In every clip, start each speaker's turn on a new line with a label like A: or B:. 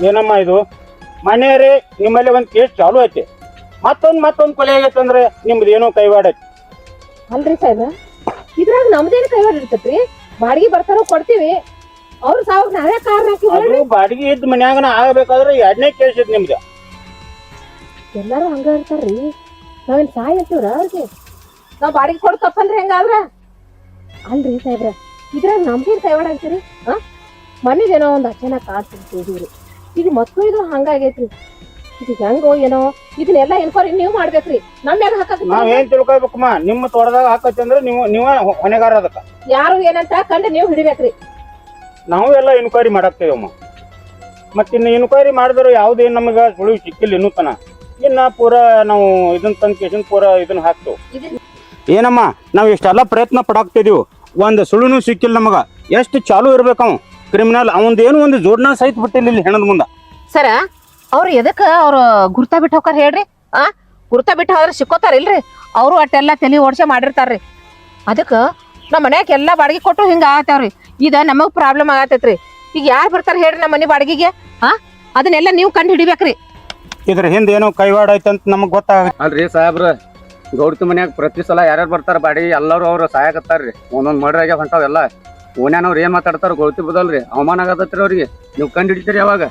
A: ಏನಮ್ಮ ಇದು ಮನೆಯವ್ರಿ ನಿಮ್ಮಲ್ಲಿ ಒಂದು ಕೇಸ್ ಚಾಲು ಐತಿ ಮತ್ತೊಂದು ಕೊಲೆ ಆಗೈತೆ ಅಂದ್ರೆ ನಿಮ್ದು ಏನೋ ಕೈವಾಡ ಐತಿ.
B: ಅಲ್ರಿ ಸಾಹೇಬ್ರ ಇದ್ರಾಗ ನಮ್ದೇನು ಕೈವಾಡ ಇರ್ತೈತ್ರಿ? ಬಾಡಿಗೆ ಬರ್ತಾರೋ ಕೊಡ್ತೀವಿ, ಅವ್ರ ಸಾವು ನಾವೇ ಕಾರಣ
A: ಅದು ಬಾಡಿಗೆ ಇದ್ದ ಮನ್ಯಾಗನ ಆಗಬೇಕಾದ್ರೆ 2ನೇ ಕೇಸ್ ಐತಿ ನಿಮ್ದು.
B: ಎಲ್ಲಾರು ಹಂಗ ಇರ್ತಾರ್ರಿ. ನಾವೇನ್ ಸಾಯ್ ಅಂತೀವ್ರ ಅವ್ರಿಗೆ? ನಾವ್ ಬಾಡಿಗೆ ಕೊಡ್ ತಪ್ಪಲ್ರಿ ಹೆಂಗಾದ್ರ? ಅಲ್ರಿ ಸಾಹೇಬ್ರ ಇದ್ರಾಗ ನಮ್ಗೇನ್ ಕೈವಾಡ ಆಗ್ತೀರಿ? ಮನೆಗೇನೋ ಒಂದ್ ಅಚ್ಚನ ಕಾಡ್ತಿದ್ರಿ, ಈಗ ಮತ್ತು ಇದು ಹಂಗಾಗೈತ್ರಿ. ಇದು ಹೆಂಗೋ ಏನೋ ಇದನ್ನೆಲ್ಲ ಎನ್ಕ್ವೈರಿ ನೀವು ಮಾಡ್ಬೇಕ್ರಿ. ನಮ್ಯಾಗ ಹಾಕಕ್
A: ನಾವೇನ್ ತಿಳ್ಕೊಬೇಕಮ್ಮ, ನಿಮ್ಮ ತೋಟದಾಗ ಹಾಕತಿ ಅಂದ್ರೆ ನೀವ ಹೊಣೆಗಾರ ಅದಕ್ಕ.
B: ಯಾರು ಏನಂತ ಕಂಡು ನೀವು ಹಿಡಿಬೇಕ್ರಿ.
A: ನಾವು ಎಲ್ಲ ಇನ್ಕ್ವೈರಿ ಮಾಡಾಕ್ತೇವಮ್ಮ. ಮತ್ತಿನ್ನು ಇನ್ಕ್ವೈರಿ ಮಾಡಿದ್ರು ಯಾವ್ದೇನ್ ನಮಗ ಸುಳಿವು ಸಿಕ್ಕಿಲ್ಲ ಇನ್ನೂ ತನ. ಇನ್ನ ಪೂರಾ ನಾವು ಇದನ್ನ ತಂದು ಪೂರಾ ಇದನ್ನ ಹಾಕ್ತೇವೆ. ಏನಮ್ಮ ನಾವ್ ಇಷ್ಟೆಲ್ಲ ಪ್ರಯತ್ನ ಪಡಾಕ್ತಿದೀವಿ, ಒಂದು ಸುಳುನು ಸಿಕ್ಕಿಲ್ಲ ನಮಗ. ಎಷ್ಟು ಚಾಲು ಇರ್ಬೇಕು ಅವ ಕ್ರಿಮಿನಲ್, ಅವಂದೇನು ಒಂದು ಜೋಡ್ನ ಸಹಿತ ಬಿಟ್ಟಿಲ್ಲ ಇಲ್ಲಿ ಹೆಣದ ಮುಂದ.
B: ಸರ ಅವ್ರು ಎದಕ್ಕ ಅವ್ರ ಗುರ್ತಾ ಬಿಟ್ಟು ಹೋಗಾರ ಹೇಳ್ರಿ? ಗುರ್ತಾ ಬಿಟ್ಟು ಹೋದ್ರೆ ಸಿಕ್ಕೋತಾರ ಇಲ್ರಿ? ಅವರು ಅಟ್ಟೆಲ್ಲ ತಲೆ ಓಡ್ಸೆ ಮಾಡಿರ್ತಾರ್ರಿ. ಅದಕ್ಕ ನಮ್ಮ ಮನ್ಯಾಗ ಎಲ್ಲಾ ಬಾಡಿಗೆ ಕೊಟ್ಟು ಹಿಂಗ ಆಗತ್ತವ್ರಿ. ಇದ ನಮಗ್ ಪ್ರಾಬ್ಲಮ್ ಆಗತೈತ್ರಿ. ಈಗ ಯಾರು ಬರ್ತಾರ ಹೇಳ್ರಿ ನಮ್ಮ ಮನೆ ಬಾಡಿಗೆಗೆ? ಅದನ್ನೆಲ್ಲ ನೀವು ಕಂಡು ಹಿಡಿಬೇಕ್ರಿ.
A: ಇದ್ರ ಹಿಂದೆ ಏನೋ ಕೈವಾಡ ಐತಂತ ನಮಗ್ ಗೊತ್ತಾಗ.
C: ಅಲ್ರಿ ಸಾಹೇಬ್ರ, ಗೌಡ್ತಿ ಮನ್ಯಾಗ ಪ್ರತಿ ಸಲ ಯಾರ್ಯಾರು ಬರ್ತಾರ ಬಾಡಿಗೆ ಎಲ್ಲರೂ ಅವ್ರು ಸಹಾಯಕತ್ತಾರ್ರಿ. ಒಂದೊಂದ್ ಮರ್ಡರ್ ಆಗ್ಯಾವ ಹೊಂಟಾವೆಲ್ಲ. ಓನ್ಯಾನವ್ರು ಏನ್ ಮಾತಾಡ್ತಾರ ಗೌಡ್ತಿ ಬದಲ್ರಿ, ಅವಮಾನ ಆಗತ್ತೈತ್ರಿ ಅವ್ರಿಗೆ. ನೀವು ಕಂಡು ಹಿಡಿತೀರಿ ಯಾವಾಗ?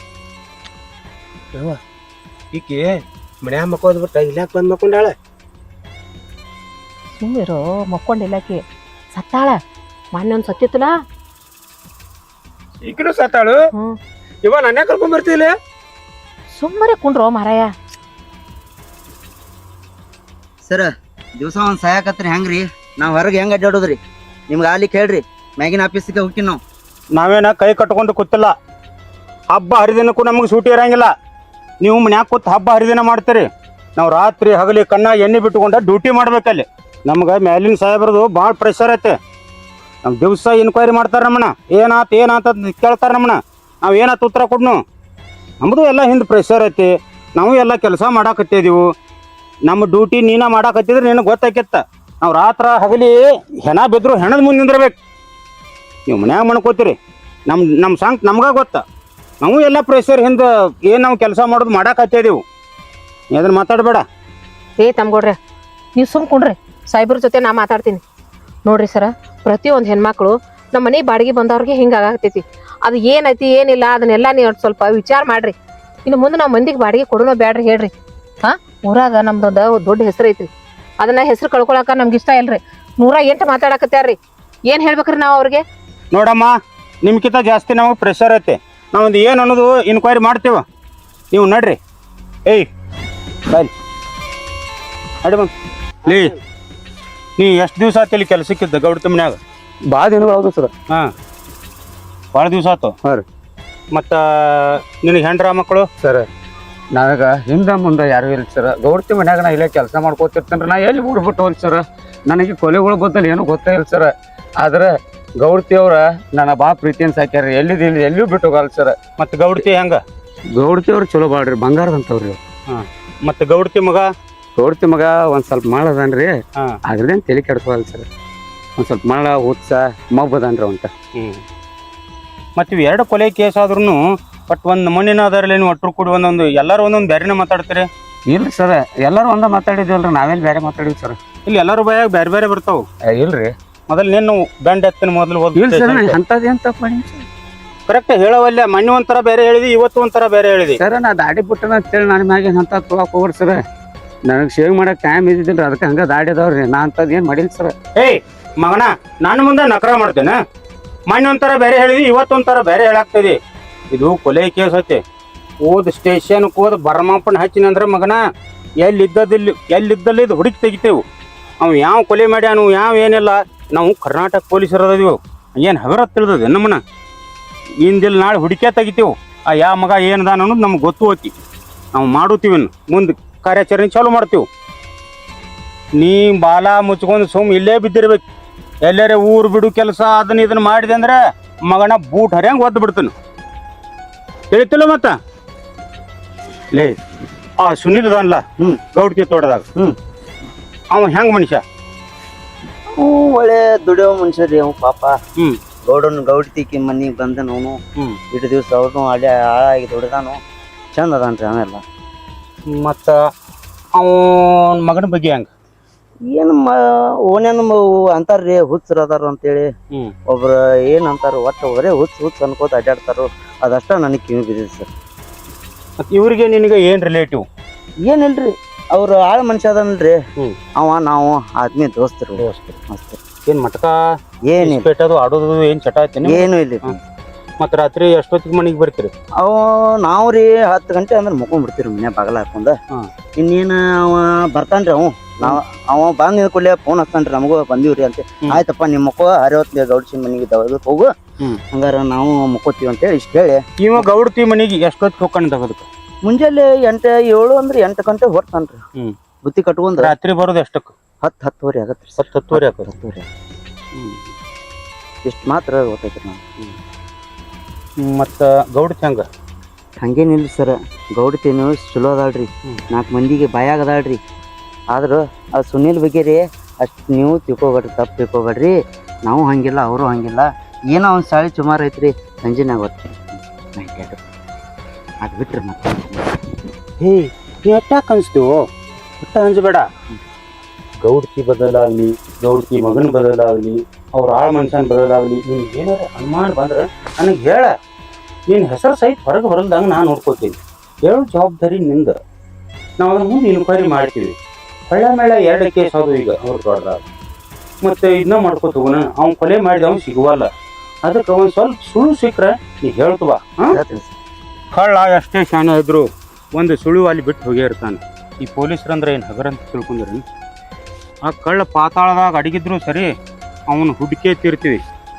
D: ಈಕಿ ಮನ್ಯಾಗ ಮಕ್ಕೋದ್ ಬಿಟ್ಟ ಇಲ್ಯಾಕ ಬಂದ್ ಮಕ್ಕೊಂಡಾಳ?
B: ಸುಮ್ಮಿರೋ, ಮಕ್ಕೊಂಡಿಲ್ಲಕಿ ಸತ್ತಾಳ. ಮೊನ್ನೆ ಒಂದ್ ಸತ್ತಿತ್ತಲ್ಲ.
D: ಈಕಿನೂ ಸತ್ತಾಳು. ಇವ ನನ್ನ ಕರ್ಕೊಂಡ್ ಬರ್ತಿಲ್ಲ.
B: ಸುಮ್ಮನೆ ಕುಂಡ್ರೋ ಮಾರಾಯ.
E: ಸರ ದಿವಸ ಒಂದ್ ಸಹಾಯಕತ್ರಿ ಹೆಂಗ್ರಿ? ನಾವ್ ಹೊರಗೆ ಹೆಂಗ್ ಅಡ್ಡಾಡೋದ್ರಿ? ನಿಮ್ಗೆ ಆಲಿಕ್ ಹೇಳ್ರಿ, ಮ್ಯಾಗಿನ ಆಫೀಸಿಗೆ ಹೋಗ್ತೀನಿ ನಾವು.
A: ನಾವೇನ ಕೈ ಕಟ್ಕೊಂಡು ಕೂತಿಲ್ಲ. ಹಬ್ಬ ಹರಿದಿನಕ್ಕೂ ನಮಗೆ ಸೂಟಿ ಇರಂಗಿಲ್ಲ. ನೀವು ಮನ್ಯಾಗ ಕೂತ್ ಹಬ್ಬ ಹರಿದಿನ ಮಾಡ್ತೀರಿ, ನಾವು ರಾತ್ರಿ ಹಗಲಿ ಕಣ್ಣಾಗ ಎಣ್ಣೆ ಬಿಟ್ಟುಕೊಂಡ ಡ್ಯೂಟಿ ಮಾಡ್ಬೇಕಲ್ಲಿ. ನಮ್ಗೆ ಮ್ಯಾಲಿನ ಸಾಹೇಬ್ರದು ಭಾಳ ಪ್ರೆಷರ್ ಐತೆ. ನಮ್ ದಿವಸ ಇನ್ಕ್ವೈರಿ ಮಾಡ್ತಾರೆ ನಮ್ಮನ್ನ. ಏನಾತ ಕೇಳ್ತಾರೆ ನಮ್ಮನ್ನ. ನಾವು ಏನಾತ ಉತ್ತರ ಕೊಡ್ನು? ನಮ್ಮದು ಎಲ್ಲ ಹಿಂದೆ ಪ್ರೆಷರ್ ಐತಿ. ನಾವು ಎಲ್ಲ ಕೆಲಸ ಮಾಡಾಕತ್ತಿದೀವು. ನಮ್ಮ ಡ್ಯೂಟಿ ನೀನ ಮಾಡಾಕತ್ತಿದ್ರೆ ನಿನಗೆ ಗೊತ್ತಾಕಿತ್ತ. ನಾವು ರಾತ್ರ ಹಗಲಿ ಹೆಣ ಬಿದ್ರು ಹೆಣದ ಮುಂದೆ ನಿಂದಿರ್ಬೇಕು. ನೀವು ಮನ್ಯಾಗ ಮಾಡ್ಕೋತೀರಿ, ನಮ್ಮ ಸಾಂಗ್ ನಮ್ಗ ಗೊತ್ತ. ನಾವು ಎಲ್ಲ ಪ್ರೆಷರ್ ಹಿಂದೆ ಏನು ನಾವು ಕೆಲಸ ಮಾಡೋದು ಮಾಡಾಕತ್ತಿದೀವು. ಅದನ್ನ ಮಾತಾಡಬೇಡ.
B: ತಮ್ಗೊಡ್ರಿ, ನೀವು ಸುಮ್ಕೊಂಡ್ರಿ. ಸಾಹೇಬ್ರ ಜೊತೆ ನಾ ಮಾತಾಡ್ತೀನಿ. ನೋಡ್ರಿ ಸರ, ಪ್ರತಿಯೊಂದು ಹೆಣ್ಮಕ್ಳು ನಮ್ಮ ಮನೆ ಬಾಡಿಗೆ ಬಂದವ್ರಿಗೆ ಹಿಂಗೆ ಆಗತೈತಿ. ಅದು ಏನೈತಿ ಏನಿಲ್ಲ ಅದನ್ನೆಲ್ಲ ನೀವು ಸ್ವಲ್ಪ ವಿಚಾರ ಮಾಡ್ರಿ. ಇನ್ನು ಮುಂದೆ ನಾವು ಮಂದಿಗೆ ಬಾಡಿಗೆ ಕೊಡೋಣ ಬೇಡ್ರಿ ಹೇಳ್ರಿ. ಊರಾಗ ನಮ್ದೊಂದು ದೊಡ್ಡ ಹೆಸರು ಐತ್ರಿ. ಅದನ್ನ ಹೆಸರು ಕಳ್ಕೊಳಕ ನಮ್ಗೆ ಇಷ್ಟ ಇಲ್ರಿ. 108 ಮಾತಾಡಕತ್ಯಾರ್ರಿ. ಏನ್ ಹೇಳ್ಬೇಕ್ರಿ ನಾವು ಅವ್ರಿಗೆ?
A: ನೋಡಮ್ಮ, ನಿಮ್ಗಿಂತ ಜಾಸ್ತಿ ನಮಗೆ ಪ್ರೆಷರ್ ಐತೆ. ನಾವೊಂದು ಏನು ಅನ್ನೋದು ಇನ್ಕ್ವೈರಿ ಮಾಡ್ತೀವ. ನೀವು ನಡ್ರಿ. ಬಾಯ್ ಅಡಿ ಬಂದು ನೀ ಎಷ್ಟು ದಿವಸ ಆಯ್ತು ಇಲ್ಲಿ ಕೆಲಸಕ್ಕಿದ್ದ ಗೌಡ್ತಿ ಮನ್ಯಾಗ?
C: ಭಾಳ ದಿನಗಳು ಹೌದು ಸರ್.
A: ಭಾಳ ದಿವಸ ಆಯ್ತು.
C: ಹಾಂ ರೀ.
A: ಮತ್ತು ನಿನಗೆ ಹೆಂಡ್ರ ಮಕ್ಕಳು?
C: ಸರ್ ನಾವಾಗ ಹಿಂದೆ ಮುಂದೆ ಯಾರು ಇಲ್ಲ ಸರ್. ಗೌಡ್ತಿ ಮನ್ಯಾಗ ನಾ ಇಲ್ಲೇ ಕೆಲಸ ಮಾಡ್ಕೋತಿರ್ತೇನೆ. ನಾ ಎಲ್ಲಿ ಊರು ಬಿಟ್ಟು ಹೋಲ್ ಸರ್. ನನಗೆ ಕೊಲೆಗಳು ಬದ್ದಲ್ಲಿ ಏನೂ ಗೊತ್ತೇ ಇಲ್ಲ ಸರ್. ಆದ್ರೆ ಗೌಡ್ತಿ ಅವ್ರ ನನ್ನ ಭಾಳ ಪ್ರೀತಿಯನ್ನು ಸಾಕ್ಯಾರ. ಎಲ್ಲಿಯೂ ಬಿಟ್ಟು ಹೋಗಲ್ಲ ಸರ್.
A: ಮತ್ತು ಗೌಡ್ತಿ ಹೆಂಗ?
C: ಗೌಡ್ತಿ ಅವ್ರು ಚಲೋ ಬಾಳ್ರಿ, ಬಂಗಾರದಂತವ್ರಿ.
A: ಮತ್ತು ಗೌಡ್ತಿ ಮಗ?
C: ಗೌಡ್ತಿ ಮಗ ಒಂದ್ ಸ್ವಲ್ಪ ಮಾಡದನ್ರಿ. ಅದ್ರದೇನು ತಲೆ ಕೆಡ್ಸೋಲ್ಲ ಸರ್. ಒಂದ್ ಸ್ವಲ್ಪ ಮಾಡ ಹುತ್ಸ ಮಬ್ಬದನ್ರಿ ಅವಂತ.
A: ಮತ್ತು ಇವು 2 ಕೊಲೆ ಕೇಸ್ ಆದ್ರೂ ಬಟ್ ಒಂದು ಮಣ್ಣಿನ ಅದರಲ್ಲಿ ಒಟ್ಟರು ಕೂಡಿ ಒಂದೊಂದು ಎಲ್ಲರೂ ಒಂದೊಂದು ಬೇರೆನೇ ಮಾತಾಡ್ತೀರಿ?
C: ಇಲ್ರಿ ಸರ್, ಎಲ್ಲರೂ ಒಂದ ಮಾತಾಡಿದ್ವಲ್ರಿ. ನಾವೇನು ಬೇರೆ ಮಾತಾಡಿವಿ ಸರ್.
A: ಇಲ್ಲಿ ಎಲ್ಲರೂ ಬಾಯಾಗ ಬೇರೆ ಬೇರೆ ಬರ್ತಾವೆ.
C: ಇಲ್ರಿ,
A: ಮೊದಲು ನೀನು ಬೆಂಡ್ ಎತ್ತಿನ ಮೊದಲು
C: ಅಂತದೇನ್ ತಪ್ಪ
A: ಕರೆಕ್ಟ್ ಹೇಳವಲ್ಲ. ಮೊನ್ನೆ ಒಂಥರ ಬೇರೆ ಹೇಳಿದಿ, ಇವತ್ತು ಒಂಥರ ಬೇರೆ ಹೇಳಿದಿ
C: ಸರ್. ನಾ ದಾಡಿ ಬಿಟ್ಟನ ಅಂತೇಳಿ ನನ್ನ ಮ್ಯಾಗ ಅಂತ ತೊಗೊಳಕ್ ಹೋಗ್ರಿ ಸರ್. ನನಗೆ ಶೇವ್ ಮಾಡಕ್ ಟೈಮ್ ಇದ್ದಿದ್ದಿಲ್ರಿ, ಅದಕ್ಕೆ ಹಂಗ ದಾಡಿ ಅದಾವ್ರಿ. ನಾ ಅಂತದ್ ಏನ್ ಮಾಡಿಲ್ಲ ಸರ್.
A: ಮಗನ, ನಾನು ಮುಂದೆ ನಕರ ಮಾಡ್ತೇನೆ. ಮೊನ್ನೆ ಒಂಥರ ಬೇರೆ ಹೇಳಿದಿ, ಇವತ್ತೊಂಥರ ಬೇರೆ ಹೇಳಾಗ್ತದೆ. ಇದು ಕೊಲೆ ಕೇಸ್ ಐತೆ. ಸ್ಟೇಷನ್ಗೆ ಹೋದ್ ಬರ್ಮಾಪನ್ ಹಚ್ಚಿನ ಅಂದ್ರೆ ಮಗನ ಎಲ್ಲಿದ್ದಲ್ಲಿ ಇದು ಹುಡುಕಿ ತೆಗಿತೇವು. ಅವ್ ಯಾವ ಕೊಲೆ ಮಾಡ್ಯಾನು ಯಾವ ಏನಿಲ್ಲ. ನಾವು ಕರ್ನಾಟಕ ಪೊಲೀಸರು ಅದೀವು. ಏನು ಹಗರ ತಿಳಿದದೆ ನಮ್ಮನ್ನ. ಇಂದಿಲ್ಲಿ ನಾಳೆ ಹುಡುಕೇ ತೆಗಿತೇವು. ಯಾವ ಮಗ ಏನದ ಅನ್ನೋದು ನಮ್ಗೆ ಗೊತ್ತು ಹೋತಿ. ನಾವು ಮಾಡುತ್ತೀವಿ, ಮುಂದೆ ಕಾರ್ಯಾಚರಣೆ ಚಾಲು ಮಾಡ್ತೀವಿ. ನೀ ಬಾಲ ಮುಚ್ಕೊಂಡು ಇಲ್ಲೇ ಬಿದ್ದಿರ್ಬೇಕು. ಎಲ್ಲರೇ ಊರು ಬಿಡು ಕೆಲಸ ಇದನ್ನ ಮಾಡಿದೆ ಅಂದ್ರೆ ಮಗನ ಬೂಟ್ ಹರಿಯಂಗೆ ಒದ್ದು ಬಿಡ್ತಾನೆ. ತಿಳಿತಿಲ್ಲ ಮತ್ತ ಲೇ ಸುನಿಲ್ ಅದನ್ಲ ಗೌಡ್ತಿ ತೋಟದಾಗ ಅವ ಹೆಂಗ್ ಮನುಷ್ಯ?
E: ಒಳ್ಳೆ ದುಡಿಯೋ ಮನುಷ್ಯರಿ ಅವ್ ಪಾಪ. ಗೌಡ್ತಿಕಿ ಮನಿಗೆ ಬಂದ ಅವನು
A: ಹ್ಮ್.
E: ಇಟ್ಟು ದಿವಸ ಅವ್ನು ಅಲ್ಲೇ ಹಾಳಾಗಿ ದುಡ್ದಾನು ಚಂದ ಅದಾನ್ರಿ ಅವೆಲ್ಲ.
A: ಮತ್ತ ಅವನ ಮಗನ ಬಗ್ಗೆ ಹೆಂಗ?
E: ಏನು ಓನೇನು ಅಂತಾರ್ರಿ ಹುಚ್ಚರು ಅದಾರ ಅಂತೇಳಿ.
A: ಹ್ಮ್.
E: ಒಬ್ರು ಏನ್ ಅಂತಾರ ಒಟ್ಟು ಬರೇ ಹುಚ್ಚ ಅನ್ಕೋತ ಅಡ್ಡಾಡ್ತಾರೋ ಅದಷ್ಟ ನನಗೆ ಕಿವಿ ಬಿದ್ದಿದೆ ಸರ್.
A: ಮತ್ತ ಇವ್ರಿಗೆ ನಿನಗೆ ಏನ್ ರಿಲೇಟಿವ್?
E: ಏನಿಲ್ರಿ ಅವ್ರು ಆಳ ಮನುಷ್ಯ ಅದನ್ರಿ.
A: ಹ್ಮ್.
E: ನಾವು ಆದ್ಮಿ ದೋಸ್ತರು ಮಸ್ತ್.
A: ಏನ್ ಮಟಕ
E: ಏನಿಲ್ಲ
A: ಪೇಟದು ಆಡೋದು ಏನ್ ಚಟ ಐತಿ?
E: ಏನು ಇಲ್ಲ.
A: ಮತ್ತ ರಾತ್ರಿ ಎಷ್ಟೊತ್ತಿಗೆ ಮನೆಗೆ ಬರ್ತೀರಿ?
E: ನಾವ್ರಿ 10 ಗಂಟೆ ಅಂದ್ರೆ ಮುಕೊಂಡ್ ಬಿಡ್ತೀರಿ ಮನೆ ಬಾಗಲ ಹಾಕೊಂಡ.
A: ಹ್ಮ್.
E: ಇನ್ನೇನು ಅವ ಬರ್ತಾನ್ರಿ ಅವ ಬಂದ್ ನಿಂತ್ಕೊಳ್ಳಿ ಫೋನ್ ಹಚ್ತಾನ್ರಿ ನಮಗೂ ಬಂದೀವ್ರಿ ಅಂತ. ಆಯ್ತಪ್ಪ ನಿಮ್ಮ ಮಕ್ಕಳು ಹರಿವತ್ತು ಗೌಡ್ಸಿ ಮನೆಗೆ ಹೋಗು, ಹಂಗಾರ ನಾವು ಮುಕ್ಕೋತೀವಿ ಅಂತೇಳಿ ಇಷ್ಟ ಹೇಳಿ
A: ಇವ ಗೌಡ್ತಿ ಮನೆಗೆ ಎಷ್ಟೊತ್ತಿಗೆ ಹೋಗ್ಕೊಂಡು ತಗೋದಕ್ಕೆ?
E: ಮುಂಜಾನೆ 7 ಅಂದ್ರೆ 8 ಗಂಟೆ ಹೊರ್ತಾನ್ರಿ.
A: ಹ್ಮ್.
E: ಬುತ್ತಿ ಕಟ್ಕೊಂಡ್ರ
A: ರಾತ್ರಿ ಬರೋದು ಎಷ್ಟಕ್ಕೆ?
E: 10-10 ಆಗತ್ರಿ.
A: 10-10 ಆಕತಿ.
E: 10 ಇಷ್ಟು ಮಾತ್ರ ಗೊತ್ತೈತ್ರಿ ನಾವು.
A: ಮತ್ತ ಗೌಡ್ತಿ ಹಂಗ
E: ಹಂಗೇನಿಲ್ಲ ಸರ್. ಗೌಡತೇನು ಚಲೋ ಅದಾಳ್ರಿ, 4 ಮಂದಿಗೆ ಬಾಯಾಗ ಅದಾಳ್ರಿ. ಆದ್ರೂ ಆ ಸುನೀಲ್ ಬಗ್ಗೆ ರೀ ಅಷ್ಟು ನೀವು ತಿಳ್ಕೊಬೇಡ್ರಿ, ತಪ್ಪು ತಿಳ್ಕೊಬೇಡ್ರಿ. ನಾವು ಹಂಗಿಲ್ಲ, ಅವರು ಹಂಗಿಲ್ಲ. ಏನೋ ಒಂದು ಸಾಳಿ ಸುಮಾರು ಐತ್ರಿ, ಸಂಜೆನಾಗ ಗೊತ್ತು ಅದು ಬಿಟ್ರಿ ಮತ್ತೆ.
A: ಹೇ ನೀ ಅಟ್ಟಾಕ್ ಅನ್ಸ್ತೀವೋ? ಒಟ್ಟ ಅಂಜಬೇಡ. ಗೌಡ್ತಿ ಬದಲಾಗ್ಲಿ, ಗೌಡ್ತಿ ಮಗನ ಬದಲಾಗ್ಲಿ, ಅವ್ರ ಆಳ ಮನುಷ್ಯನ ಬದಲಾಗ್ಲಿ, ನೀನ್ ಏನಾರ ಅನುಮಾನ ಬಂದ್ರೆ ನನಗೆ ಹೇಳ. ನಿನ್ನ ಹೆಸರು ಸಹಿತ ಹೊರಗೆ ಬರಲ್ದಂಗೆ ನಾನು ನೋಡ್ಕೋತೀನಿ. ಹೇಳೋ ಜವಾಬ್ದಾರಿ ನಿಂದ. ನಾವು ಅದ್ರ ಮುಂದೆ ಇನ್ಕ್ವೈರಿ ಮಾಡ್ತೀವಿ. ಹೊಳ್ಳ ಮೇಳ 2 ಕೇಸ್ ಅದು ಈಗ ಅವ್ರು ದೊಡ್ಡದಾಗ. ಮತ್ತೆ ಇದನ್ನ ಮಾಡ್ಕೋತ ಹೋಗೋಣ. ಅವ್ನು ಕೊಲೆ ಮಾಡಿದ ಅವ್ನು ಸಿಗುವಲ್ಲ. ಅದಕ್ಕೆ ಒಂದು ಸ್ವಲ್ಪ ಸುಳ್ಳು ಸಿಕ್ಕರೆ ನೀ ಹೇಳ್ತವ. ಕಳ್ಳ ಎಷ್ಟೇ ಶಾನೆ ಇದ್ರು ಒಂದು ಸುಳ್ಳು ಅಲ್ಲಿ ಬಿಟ್ಟು ಹೋಗೇ ಇರ್ತಾನೆ. ಈ ಪೊಲೀಸರಂದ್ರೆ ಏನು ಹಗರಂತ ತಿಳ್ಕೊಂಡ್ರಿ? ಆ ಕಳ್ಳ ಪಾತಾಳದಾಗ ಅಡಗಿದ್ರು ಸರಿ, ಅವನು ಹುಡುಕೇ ತೀರ್ತೀವಿ.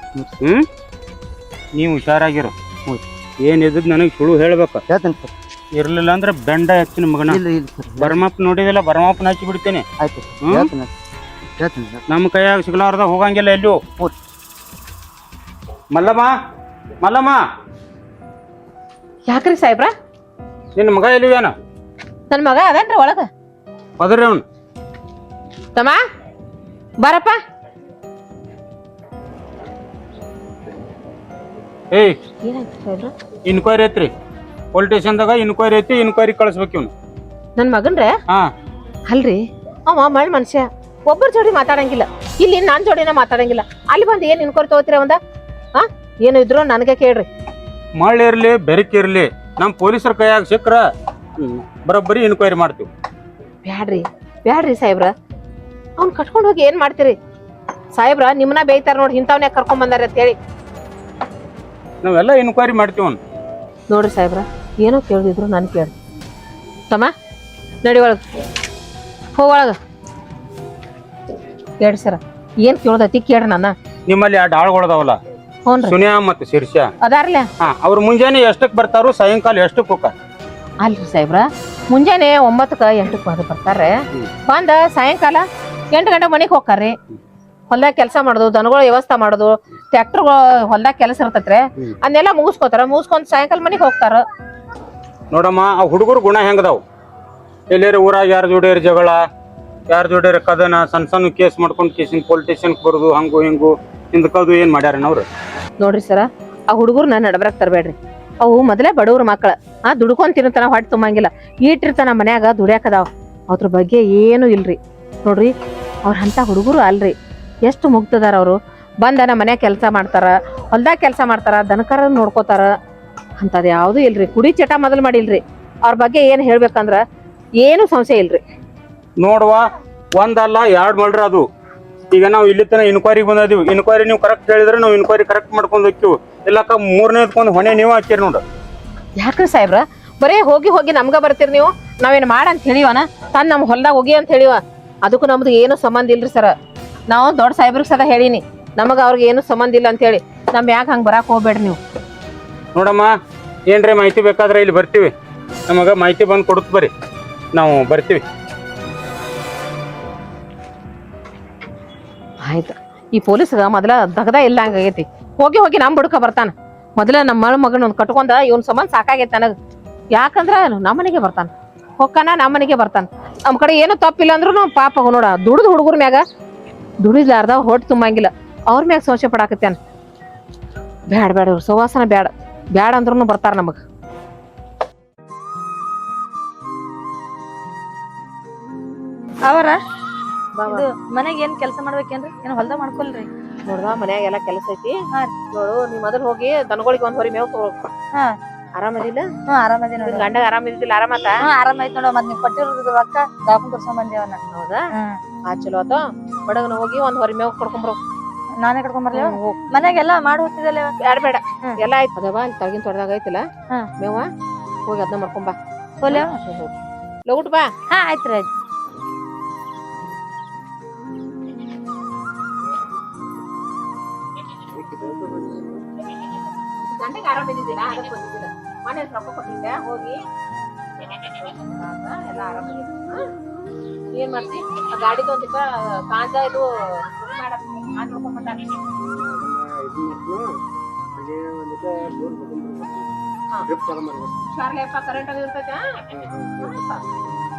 A: ನೀವು ಹುಷಾರಾಗಿರು. ಏನಿದ್ದು ನನಗೆ ಸುಳ್ಳು ಹೇಳ್ಬೇಕ.
E: ಹೇಳ್ತೇನೆ ಸರ್.
A: ಇರ್ಲಿಲ್ಲ ಅಂದ್ರೆ ಬೆಂಡ ಹೆಚ್ಚಿನ ಮಗನ.
E: ಇಲ್ಲ ಸರ್.
A: ಬರ್ಮಪ್ಪ ನೋಡಿದಿಲ್ಲ, ಬರ್ಮಪ್ಪನ ಹಚ್ಚಿ ಬಿಡ್ತೇನೆ.
E: ಆಯ್ತು ಹೇಳ್ತೇನೆ ಸರ್.
A: ನಮ್ಮ ಕೈಯಾಗ ಸಿಗ್ಲಾರ್ದ ಹೋಗಂಗಿಲ್ಲ ಎಲ್ಲೂ. ಮಲ್ಲಮ್ಮ
B: ಯಾಕ್ರಿ ಸಾಹೇಬ್ರ?
A: ನಿನ್ನ ಮಗ ಎಲ್ಲಿವೇನ?
B: ನನ್ನ ಮಗ ಅದನ್ರಿ ಒಳಗ.
A: ಅದ್ರಿ ಅವನು
B: ತಮ್ಮ ಬಾರಪ್ಪ.
A: ಏಯ್
B: ಏನಾಯ್ತು ಸಾಹೇಬ್ರ?
A: ಇನ್ಕ್ವೈರಿ ಐತ್ರಿ ಪೊಲೀಸ್ ಸ್ಟೇಷನ್ದಾಗ. ಇನ್ಕ್ವೈರಿ ಐತಿ, ಇನ್ಕ್ವೈರಿ ಕಳಿಸ್ಬೇಕು ಇವನು.
B: ನನ್ನ ಮಗನ್ರೆ?
A: ಹಾ.
B: ಅಲ್ರಿ ಅವ ಮಳ್ ಮನುಷ್ಯ, ಒಬ್ಬರ ಜೋಡಿ ಮಾತಾಡಂಗಿಲ್ಲ. ಇಲ್ಲಿ ನಾನ್ ಜೋಡಿನ ಮಾತಾಡಂಗಿಲ್ಲ. ಅಲ್ಲಿ ಬಂದು ಏನ್ ಇನ್ಕ್ವೈರಿ ತಗೋತೀರ ಒಂದ? ಏನು ಇದ್ರು ನನಗೆ ಕೇಳ್ರಿ.
A: ಮಳೆ ಇರ್ಲಿ ಬೆರಕಿರ್ಲಿ, ನಮ್ಮ ಪೊಲೀಸರ ಕೈಯಾಗ ಸಿಕ್ಕ್ರ ಬರೋಬ್ಬರಿ ಇನ್ಕ್ವೈರಿ ಮಾಡ್ತೀವಿ.
B: ಬ್ಯಾಡ್ರಿ ಸಾಹೇಬ್ರ, ಅವ್ನ್ ಕಟ್ಕೊಂಡು ಹೋಗಿ ಏನ್ ಮಾಡ್ತೀರಿ ಸಾಹೇಬ್ರ? ನಿಮ್ಮನ್ನ ಬೇಯ್ತಾರ ನೋಡಿ, ಇಂಥವ್ನೇ ಕರ್ಕೊಂಡ್ ಬಂದಾರ ಅಂತ ಹೇಳಿ.
A: ನಾವೆಲ್ಲ ಇನ್ಕ್ವೈರಿ ಮಾಡ್ತೀವಿ ಅವ್ನು.
B: ನೋಡ್ರಿ ಸಾಹೇಬ್ರ, ಏನೋ ಕೇಳಿದ್ರು ನನ್ ಕೇಳಿ. ತಮ್ಮ ನಡಿ ಒಳಗ, ಹೋಗೊಳಗ. ಕೇಳ್ರಿ ಸರ, ಏನ್ ಕೇಳೋದೈತಿ ಕೇಳ್ರಿ. ನನ್ನ
A: ನಿಮ್ಮಲ್ಲಿ 2 ಆಳುಗಳದಾವಲ್ಲ,
B: ಹ್ಞೂನ್ರಿ
A: ಸುನಿಯಾ ಮತ್ತು ಶಿರ್ಷ.
B: ಅದಾರ್ಲ?
A: ಅವ್ರು ಮುಂಜಾನೆ ಎಷ್ಟಕ್ಕೆ ಬರ್ತಾರೋ, ಸಾಯಂಕಾಲ ಎಷ್ಟಕ್ಕೆ ಹೋಗ್ತಾರ?
B: ಅಲ್ರಿ ಸಾಹೇಬ್ರ, ಮುಂಜಾನೆ 9ಕ್ಕೆ 8ಕ್ಕೆ ಬರ್ತಾರೆ. ಬಂದ ಸಾಯಂಕಾಲ 8 ಗಂಟೆ ಮನೆಗೆ ಹೋಗ್ತಾರ್ರಿ. ಹೊಲ್ದಾಗ ಕೆಲಸ ಮಾಡೋದು, ದನಗಳ ವ್ಯವಸ್ಥೆ ಮಾಡೋದು, ಟ್ರ್ಯಾಕ್ಟರ್ಗಳು ಹೊಲ್ದಾಗ ಕೆಲಸ ಇರ್ತೈತ್ರಿ, ಅದನ್ನೆಲ್ಲ ಮುಗಿಸ್ಕೊಂಡ್ ಸಾಯಂಕಾಲ ಮನೆಗೆ ಹೋಗ್ತಾರ.
A: ನೋಡಮ್ಮ, ಆ ಹುಡುಗರು ಗುಣ ಹೆಂಗದಾವ್? ಎಲ್ಲೇರ ಊರಾಗ ಯಾರ ಜೋಡಿಯರ್ ಜಗಳ, ಯಾರ ಜೋಡಿಯರ್ ಕದನ, ಸಣ್ಣ ಕೇಸ್ ಮಾಡ್ಕೊಂಡು ಕೇಸಿನ ಪೊಲೀಸ್ ಸ್ಟೇಷನ್ಗೆ ಬರೋದು, ಹಂಗು ಹಿಂಗು ಹಿಂದಕ್ಕದು ಏನ್ ಮಾಡ್ಯಾರ ಅವ್ರು?
B: ನೋಡ್ರಿ ಸರ, ಆ ಹುಡುಗರ್ನ ನಡಬರಕ್ ತರಬೇಡ್ರಿ. ಅವು ಮೊದಲೇ ಬಡವ್ರ ಮಕ್ಕಳ. ದುಡ್ಕೊಂಡ್ ತಿನ್ನತನ ಹೊಟ್ಟೆ ತುಂಬಂಗಿಲ್ಲ. ಈಟಿರ್ತಾನ ಮನ್ಯಾಗ ದುಡ್ಯಾಕದಾವ್. ಅದ್ರ ಬಗ್ಗೆ ಏನು ಇಲ್ರಿ. ನೋಡ್ರಿ, ಅವ್ರ ಅಂತ ಹುಡುಗರು ಅಲ್ರಿ. ಎಷ್ಟು ಮುಗ್ದದಾರ ಅವರು. ಬಂದ ನಮ್ಮ ಮನ್ಯಾಗ ಕೆಲಸ ಮಾಡ್ತಾರ, ಹೊಲ್ದಾಗ ಕೆಲಸ ಮಾಡ್ತಾರ, ದನಕರ ನೋಡ್ಕೋತಾರ. ಅಂತದ್ ಯಾವ್ದು ಇಲ್ರಿ. ಕುಡಿ ಚಟ ಮೊದಲು ಮಾಡಿಲ್ರಿ. ಅವ್ರ ಬಗ್ಗೆ ಏನ್ ಹೇಳ್ಬೇಕಂದ್ರ ಏನು ಸಂಶಯ ಇಲ್ರಿ.
A: ನೋಡುವ, ಒಂದಲ್ಲ 2 ಮಾಡ್ರಿ ಅದು. ಈಗ ನಾವು ಇಲ್ಲಿ ತನ ಇನ್ಕ್ವೈರಿಗೆ ಬಂದಿದ್ದೀವಿ. ಇನ್ಕ್ವೈರಿ ನೀವು ಕರೆಕ್ಟ್ ಹೇಳಿದ್ರೆ ನಾವು ಇನ್ಕ್ವೈರಿ ಕರೆಕ್ಟ್ ಮಾಡ್ಕೊಂಡು ಹೋಗ್ತೀವಿ. ಇಲ್ಲಕ್ಕ 3ನೇದ್ಕೊಂದು ಹೊಣೆ ನೀವು ಹಾಕಿರಿ ನೋಡು.
B: ಯಾಕ್ರಿ ಸಾಹೇಬ್ರ, ಬರೇ ಹೋಗಿ ನಮ್ಗ ಬರ್ತೀರಿ ನೀವು? ನಾವೇನ್ ಮಾಡಂತ ಹೇಳಿವನ? ತಾನು ನಮ್ಮ ಹೊಲ್ದಾಗ ಹೋಗಿ ಅಂತ ಹೇಳಿವ? ಅದಕ್ಕೂ ನಮ್ದು ಏನು ಸಂಬಂಧ ಇಲ್ರಿ ಸರ. ನಾವು ದೊಡ್ಡ ಸಾಹೇಬ್ರಿಗೆ ಸದಾ ಹೇಳಿನಿ, ನಮಗ ಅವ್ರಿಗೆ ಏನು ಸಂಬಂಧ ಇಲ್ಲ ಅಂತ ಹೇಳಿ. ನಮ್ ಯಾಕೆ ಹಂಗೆ ಬರಾಕ್ ಹೋಗ್ಬೇಡ್ರಿ ನೀವು.
A: ನೋಡಮ್ಮ, ಏನ್ರಿ ಮಾಹಿತಿ ಬೇಕಾದ್ರೆ ಇಲ್ಲಿ ಬರ್ತೀವಿ. ನಮಗ ಮಾಹಿತಿ ಬಂದು ಕೊಡುತ್ತ ಬರ್ರಿ, ನಾವು ಬರ್ತೀವಿ.
B: ಆಯ್ತು. ಈ ಪೊಲೀಸ್ಗ ಮೊದಲ ದಗದ ಇಲ್ಲ ಹಂಗಾಗೈತಿ. ಹೋಗಿ ನಮ್ ಬುಡ್ಕ ಬರ್ತಾನ. ಮೊದಲ ನಮ್ಮ ಮಗನ ಒಂದು ಕಟ್ಕೊಂಡ ಇವನ್ ಸಂಬಂಧ ಸಾಕಾಗೈತಿ ನನಗ. ಯಾಕಂದ್ರ ನಮ್ಮನೆಗೆ ಬರ್ತಾನ, ಹೊಕ್ಕನ ನಮ್ಮನೆಗೆ ಬರ್ತಾನ. ನಮ್ ಕಡೆ ಏನು ತಪ್ಪಿಲ್ಲ ಅಂದ್ರು ಪಾಪ ನೋಡ, ದುಡ್ದು ಹುಡುಗರ ಮ್ಯಾಗ ದುಡಿಲಾರ್ದ ಹೊಟ್ಟೆ ತುಂಬಂಗಿಲ್ಲ. ಅವ್ರ ಮ್ಯಾಗ ಸಂಶಯ ಪಡಾಕತ್ಯಾನ. ಬ್ಯಾಡ ಬ್ಯಾಡ ಇವ್ರ ಸವಾಸನ ಬ್ಯಾಡ ಬ್ಯಾಡ ಅಂದ್ರೂ ಬರ್ತಾರ ನಮಗ್
F: ಅವರ ಇದು ಮನೆಗೆ ಏನ್ ಕೆಲಸ ಮಾಡ್ಬೇಕೇನ್ರಿ ಏನ್ ಹೊಲ್ದ ಮಾಡ್ಕೊಲ್ರಿ
B: ನೋಡ್ದ ಮನ್ಯಾಗ ಎಲ್ಲಾ ಕೆಲಸ ಐತಿ
F: ಹಾ.
B: ನೋಡು ನೀ ಮೊದಲ್ ಹೋಗಿ ದನಗಳಿಗೆ ಒಂದ್ ಹೊರಿ ಮೇವ್ ತಗೋ
F: ಹಾ.
B: ಆರಾಮದಿಲ್ಲ
F: ಆರಾಮದಿ ನೋಡ್ರಿ
B: ಗಂಡಗ ಆರಾಮಿದ್ದಿಲ್ಲ ಆರಾಮತ್ತ
F: ಆರಾಮೈತ್ ನೋಡ ಮತ್ ನೀವ್ ಕೊಟ್ಟಿರೋದು ರೊಕ್ಕ ದಾಪನ್ ತೋರ್ಸ್ಕೊಂಡ್ ಬಂದೇವನ್ನ
B: ಹೌದಾ ಆ ಚಲೋ ಆತ ಬಡಗನ ಹೋಗಿ ಒಂದ್ ಹೊರಿ ಮೇವ್ ಕಡ್ಕೊಂಬರೋ
F: ನಾನೇ ಕರ್ಕೊಂಡ್ ಬರ್ಲಿ ಮನ್ಯಾಗೆಲ್ಲಾ ಮಾಡಿ ಹೋಗ್ತಿದ್ದಲ್ಲ
B: ಬ್ಯಾಡ ಬೇಡ
F: ಹ್ಮ್.
B: ಎಲ್ಲಾ ಆಯ್ತು ಅದವ ಅಲ್ಲಿ ತಳಗಿನ ತೊಡ್ದಾಗ ಐತಿಲ್ಲ
F: ಹಾ.
B: ಮೇವ ಹೋಗಿ ಅದನ್ನ ಮಾಡ್ಕೊಂಬಾ
F: ಹೋಲ್ಯ
B: ಲಗುಟ್ ಬಾ
F: ಹಾ ಆಯ್ತ್ರಿ ಆಯ್ತು
B: ಗಂಡಗೆ ಆರಾಮಿದ್ದಿಲ್ಲ ಅದಕ್ಕೆ ಬಂದಿದ್ದಿಲ್ಲ ಮನೆ ರೊಕ್ಕ ಕೊಟ್ಟಿದ್ದೆ ಹೋಗಿ ಎಲ್ಲ ಆರಾಮಾಗಿದೆ ಏನ್ ಮಾಡ್ತಿ ಆ ಗಾಡಿದು ಒಂದಿಕ್ಕ ಕಾಂಜ ಇದು ಹುಷಾರ್ಲೆಪ್ಪ ಕರೆಂಟ್ ಅದು ಇರ್ತೈತೆ